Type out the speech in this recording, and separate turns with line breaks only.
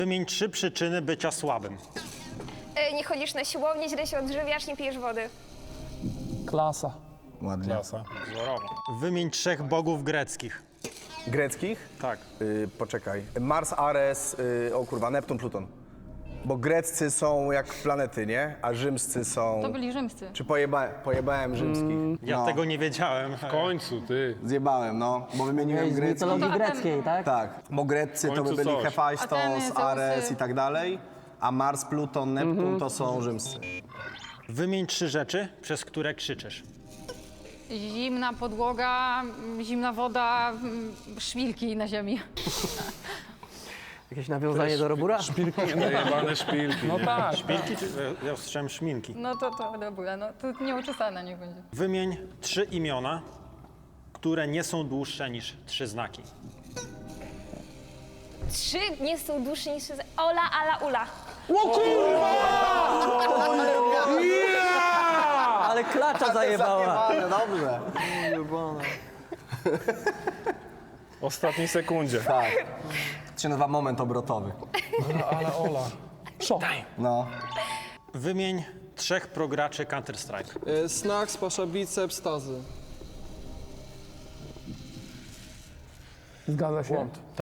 Wymień 3 przyczyny bycia słabym.
Nie chodzisz na siłownię, źle się odżywiasz, nie pijesz wody.
Klasa.
Ładnie.
Klasa.
Wymień 3 bogów greckich.
Greckich?
Tak.
Poczekaj. Mars, Ares, o kurwa, Neptun, Pluton. Bo greccy są jak planety, nie? A rzymscy są...
To byli rzymscy.
Czy pojebałem rzymskich?
Ja
No.
tego nie wiedziałem.
W końcu, ty.
Zjebałem, no, bo wymieniłem
Z
greckich.
mitologii
No to
greckiej, tak?
Tak, bo greccy to by
końcu
byli
coś.
Hefajstos,
Ateny, Zeusy.
Ares i tak dalej, a Mars, Pluton, Neptun to są rzymscy.
Wymień 3 rzeczy, przez które krzyczysz.
Zimna podłoga, zimna woda, szpilki na ziemi.
Jakieś nawiązanie do Robura?
Najebane szpilki.
No tak.
Szpilki czy ja usłyszałem szminki?
No to dobra, no to nieuczesane niech będzie.
Wymień 3 imiona, które nie są dłuższe niż 3 znaki.
3 nie są dłuższe niż... Ola, Ala, Ula.
Ale klacza zajebała.
Dobrze.
W ostatniej sekundzie.
Tak. To się nazywa moment obrotowy.
Ale Ola. Szok.
No.
Wymień 3 prograczy Counter-Strike.
Snacks, pasza biceps, stazy. Zgadza się.